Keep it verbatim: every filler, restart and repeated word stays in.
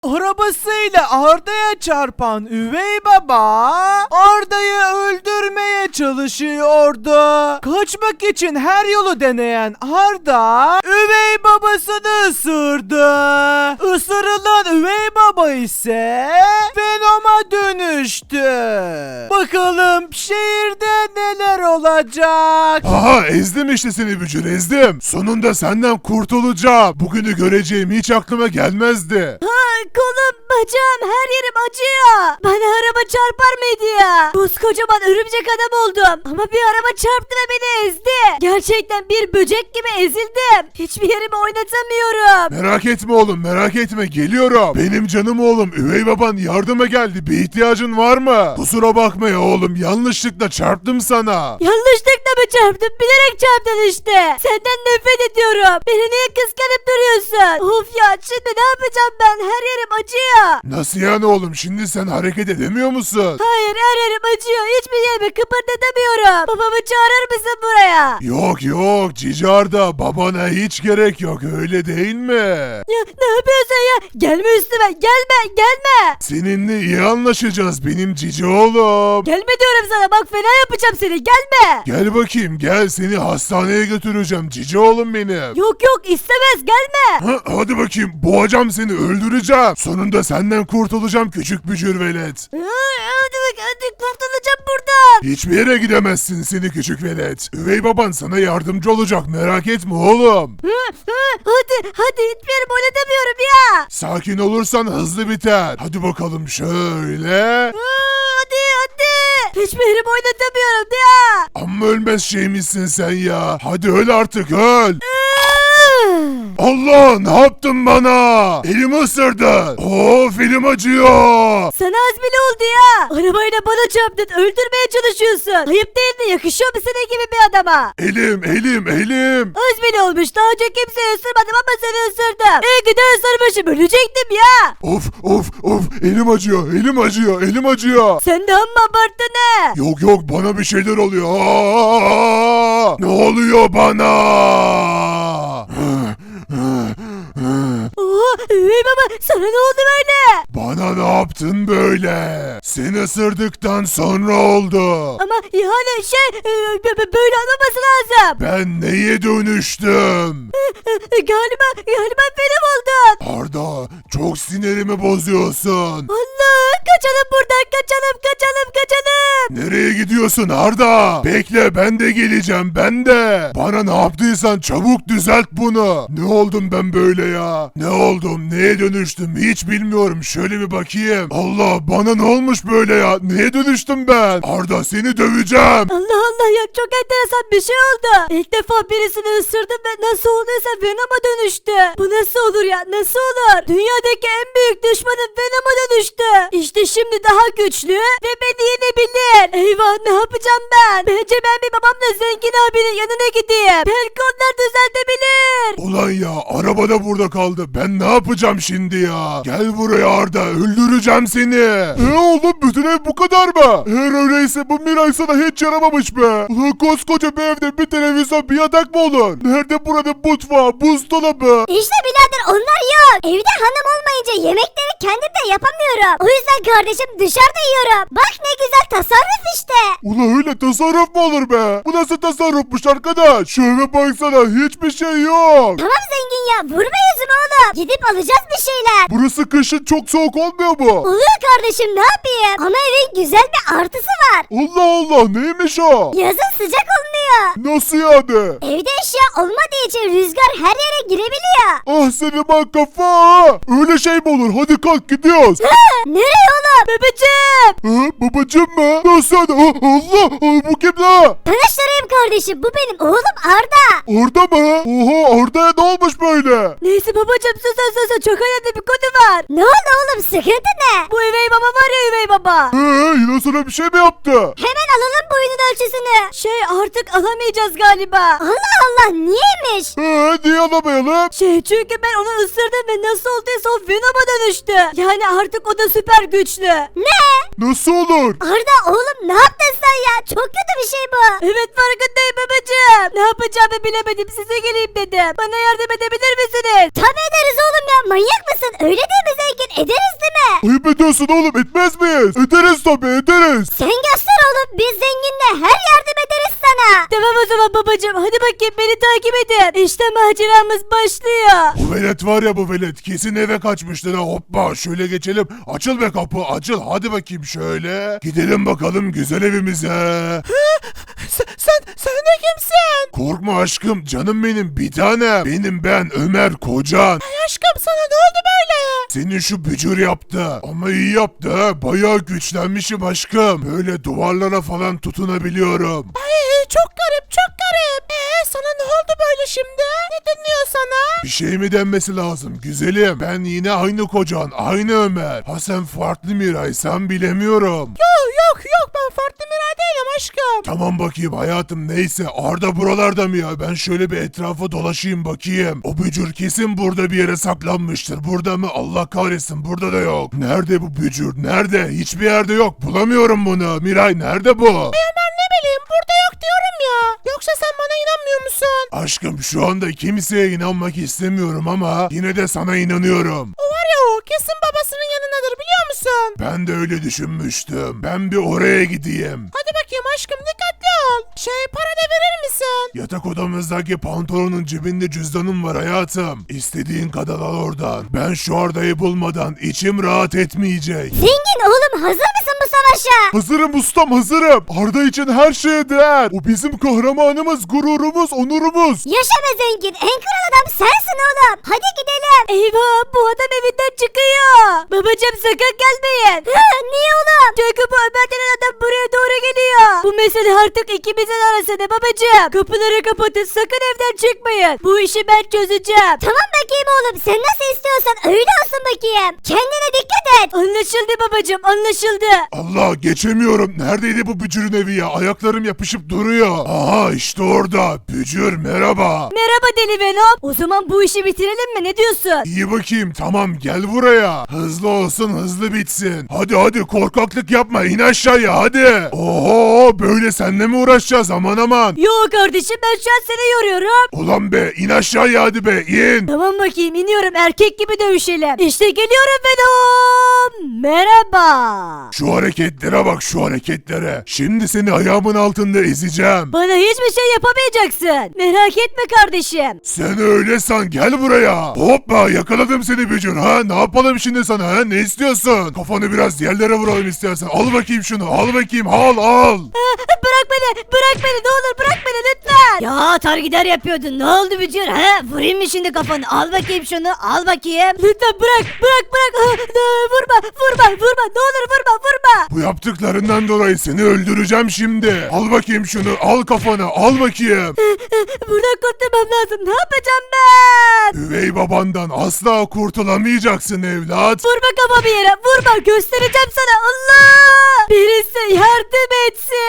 Arabasıyla Arda'ya çarpan üvey baba Arda'yı öldürmeye çalışıyordu. Kaçmak için her yolu deneyen Arda üvey babasını ısırdı. Isırılan üvey baba ise Venom'a dönüştü. Bakalım şehirde neler olacak? Aha, ezdim işte seni bücür, ezdim. Sonunda senden kurtulacağım. Bugünü göreceğim hiç aklıma gelmezdi. Kolum, bacağım, her yerim acıyor. Bana araba çarpar mıydı ya? Koskocaman örümcek adam oldum. Ama bir araba çarptı ve beni ezdi. Gerçekten bir böcek gibi ezildim. Hiçbir yerimi oynatamıyorum. Merak etme oğlum, merak etme, geliyorum. Benim canım oğlum, üvey baban yardıma geldi. Bir ihtiyacın var mı? Kusura bakma ya oğlum, yanlışlıkla çarptım sana. Yanlışlıkla mı çarptın? Bilerek çarptın işte. Senden nefret ediyorum. Beni niye kıskanıp duruyorsun? Of ya, şimdi ne yapacağım ben? Her yerim acıyor. Nasıl yani oğlum, şimdi sen hareket edemiyor musun? Hayır, her yerim acıyor. Hiçbir yerimi kıpırdatamıyorum. Babamı çağırır mısın buraya? Yok yok Cici Arda, babana hiç gerek yok, öyle değil mi? Ya ne yapıyorsun ya? Gelme üstüme. Gelme, gelme. Seninle iyi anlaşacağız benim cici oğlum. Gelme diyorum sana. Bak fena yapacağım seni. Gelme. Gel bakayım, gel, seni hastaneye götüreceğim cici oğlum benim. Yok yok, istemez. Gelme. Ha, hadi bakayım, boğacağım seni, öldüreceğim. Sonunda senden kurtulacağım küçük bücür velet. Hı, Hadi bak, hadi kurtulacağım buradan. Hiçbir yere gidemezsin seni küçük velet. Üvey baban sana yardımcı olacak, merak etme oğlum. Hı, hı, Hadi hadi, hiçbir yerimi oynatamıyorum ya. Sakin olursan hızlı biter. Hadi bakalım şöyle. Hı, Hadi hadi. Hiçbir yerimi oynatamıyorum ya. Amma ölmez şeymişsin sen ya. Hadi öl artık, öl. Hı. Allah, ne yaptın bana? Elimi ısırdın. Of, elim acıyor. Sana az bile oldu ya. Arabayla bana çarptın. Öldürmeye çalışıyorsun. Ayıp değil mi? Yakışıyor mu senin gibi bir adama? Elim, elim, elim. Az bile olmuş. Daha önce kimseye ısırmadım ama seni ısırdım. İyi ki de ısırmışım. Ölecektim ya. Of, of, of. Elim acıyor, elim acıyor, elim acıyor. Sen de amma abarttın he. Yok yok, bana bir şeyler oluyor. Aa! Ne oluyor bana? Oha, üvey baba, sana ne oldu böyle? Bana ne yaptın böyle? Seni ısırdıktan sonra oldu. Ama yani şey e, b- b- böyle olmaması lazım. Ben neye dönüştüm? E, Galiba galiba benim oldun. Arda, çok sinirimi bozuyorsun. Allah, kaçalım buradan, kaçalım kaçalım kaçalım. Nereye gidiyorsun Arda? Bekle, ben de geleceğim, ben de. Bana ne yaptıysan çabuk düzelt bunu. Ne oldum ben böyle ya? Ne oldum? Neye dönüştüm? Hiç bilmiyorum. Şöyle bir bakayım. Allah, bana ne olmuş böyle ya? Neye dönüştüm ben? Arda, seni döveceğim. Allah Allah ya, çok enteresan bir şey oldu. İlk defa birisini ısırdım ve nasıl olduysa Venom'a dönüştü. Bu nasıl olur ya, nasıl olur? Dünyadaki en büyük düşmanım Venom'a dönüştü. İşte şimdi daha güçlü ve beni yenebilir. Eyvah, ne yapacağım ben? Bence ben bir babamla zengin abinin yanına gideyim. Belki onlar düzeltebilir. Ulan ya, araba da burada kaldı. Ben ne yapacağım şimdi ya? Gel buraya Arda, öldüreceğim seni. E oğlum, bütün ev bu kadar mı? Eğer öyleyse bu Miray sana hiç yaramamış be. Ulan koskoca bir evde bir televizyon, bir yatak mı olur? Nerede burada mutfağı, buzdolabı? İşte birader, onlar yok. Evde hanım olmayınca yemekleri kendim de yapamıyorum. O yüzden kardeşim dışarıda yiyorum. Bak ne güzel tasarruf işte. Ulan öyle tasarruf mu olur be? Bu nasıl tasarrufmuş arkadaş? Şu eve baksana, hiçbir şey yok. Tamam zengin ya, vurma yüzümü oğlum. Gidip alacağız bir şeyler. Burası kışın çok soğuk olmuyor mu? Oluyor kardeşim, ne yapayım? Ama evin güzel bir artısı var. Allah Allah, neymiş o? Yazın sıcak olmuyor. Nasıl yani? Evde eşya olmadığı için rüzgar her yere girebiliyor. Ah senin bak kafa. Öyle şey mi olur? Hadi kalk, gidiyoruz. Nereye oğlum? Babacığım. Ha, babacım mı? Nasıl yani? Ah, Allah! Ah, bu kim la? Tanıştırayım kardeşim, bu benim oğlum Arda. Orada mı? Oha, Arda'ya ne olmuş böyle? Neyse babacığım, sus sus sus, çok önemli bir konu var. Ne oldu oğlum? oğlum sıkıntı ne? Bu üvey baba var ya üvey baba. Eee yine sana bir şey mi yaptı? Hemen alalım boyunun ölçüsünü. Şey artık alamayacağız galiba. Allah Allah niyeymiş? Eee niye alamayalım? Şey çünkü ben onu ısırdım ve nasıl olduysa o Venom'a dönüştü. Yani artık o da süper güçlü. Ne? Nasıl olur? Arda oğlum ne yaptın sen ya? Çok kötü bir şey bu. Evet farkındayım babacığım. Ne yapacağımı bilemedim size geleyim dedim. Bana yardım edebilir misiniz? Tabii ederiz oğlum ya manyak mısın? Öyle değil mi zengin? Ederiz değil mi? Ayıp ediyorsun oğlum, etmez miyiz? Ederiz tabii, ederiz. Sen göster oğlum biz zenginle her yardım ederiz sana. Tamam o zaman babacığım hadi bakayım beni takip edin. İşte maceramız başlıyor. Bu velet var ya, bu velet kesin eve kaçmıştır ha. Hoppa şöyle geçelim. Açıl be kapı, açıl. Hadi bakayım şöyle. Gidelim bakalım güzel evimize. Sen, sen, sen de kimsin? Korkma aşkım, canım benim bir tane. Benim ben Ömer kocan. Aşkım sana ne oldu böyle? Senin şu bücür yaptı. Ama iyi yaptı ha. Bayağı güçlenmişim aşkım. Böyle duvarlara falan tutunabiliyorum. Ay çok garip çok garip. Ee sana ne oldu böyle şimdi? Ne dönüyor sana? Bir şey mi denmesi lazım güzelim? Ben yine aynı kocan, aynı Ömer. Ha sen farklı Miray, sen bilemiyorum. Yok yok yok ben farklı Miray değilim aşkım. Tamam bakayım hayatım, neyse. Arda buralarda mı ya? Ben şöyle bir etrafa dolaşayım bakayım. O bücür kesin burada bir yere saklanmıştır. Burada mı? Allah kahretsin, burada da yok. Nerede bu bücür? Nerede? Hiçbir yerde yok. Bulamıyorum bunu. Miray nerede bu? Ben ne bileyim burada yok diyorum ya. Yoksa sen bana inanmıyor musun? Aşkım şu anda kimseye inanmak istemiyorum ama yine de sana inanıyorum. O var ya o kesin babasının yanındadır biliyor musun? Ben de öyle düşünmüştüm. Ben bir oraya gideyim. Hadi bakayım aşkım dikkatli ol. Şey para da verir misin? Yatak odamızdaki pantolonun cebinde cüzdanım var hayatım. İstediğin kadar al oradan. Ben şu Arda'yı bulmadan içim rahat etmeyecek. Zengin oğlum hazır mısın bu savaşa? Hazırım ustam, hazırım. Arda için her şeye değer. O bizim kahramanımız, gururumuz, onurumuz. Yaşa be zengin en kral adam sensin oğlum. Hadi gidelim. Eyvah bu adam evinden çıkıyor. Babacığım sakın gelmeyin. Hı, niye oğlum? Çünkü bu Ömer denen adam buraya doğru geliyor. Bu mesele artık ikimizin arasında babacığım. Kapıları kapatın sakın evden çıkmayın. Bu işi ben çözeceğim. Tamam bakayım oğlum sen nasıl istiyorsan öyle olsun bakayım. Kendine dikkat et. Anlaşıldı babacığım anlaşıldı. Allah geçemiyorum. Neredeydi bu bücürün evi ya? Ayaklarım yapışıp duruyor. Aha işte orada. Bücür merhaba. Merhaba deli Venom. O zaman bu işi bitirelim mi ne diyorsun? İyi bakayım, tamam gel buraya. Hızlı olsun, hızlı bitsin. Hadi hadi korkaklık yapma, in aşağıya hadi. Oho böyle seninle mi uğraşacağız, aman aman. Yok kardeşim ben şu an seni yoruyorum. Ulan be in aşağıya hadi be in. Tamam bakayım iniyorum erkek gibi dövüşelim. İşte geliyorum Venom. Merhaba. Şu hareketlere bak, şu hareketlere. Şimdi seni ayağımın altında ezeceğim. Bana hiçbir şey yapamayacaksın. Merak etme kardeşim. Sen öyle san, gel buraya. Hoppa yakaladım seni bücür ha. Ne yapalım şimdi sana ha, ne istiyorsun? Kafanı biraz yerlere vuralım istersen. Al bakayım şunu, al bakayım, al al. Bırak beni bırak beni ne olur bırak beni lütfen. Ya atar gider yapıyordun ne oldu Bücür ha? Vurayım mı şimdi kafanı al bakayım şunu al bakayım. Lütfen bırak bırak bırak. Ah, ah, vurma vurma vurma ne olur vurma vurma. Bu yaptıklarından dolayı seni öldüreceğim şimdi. Al bakayım şunu, al kafana, al bakayım. Buradan kurtulmam lazım ne yapacağım ben? Üvey babandan asla kurtulamayacaksın evlat. Vurma kafamı yere vurma göstereceğim sana Allah. Birisi yardım etsin.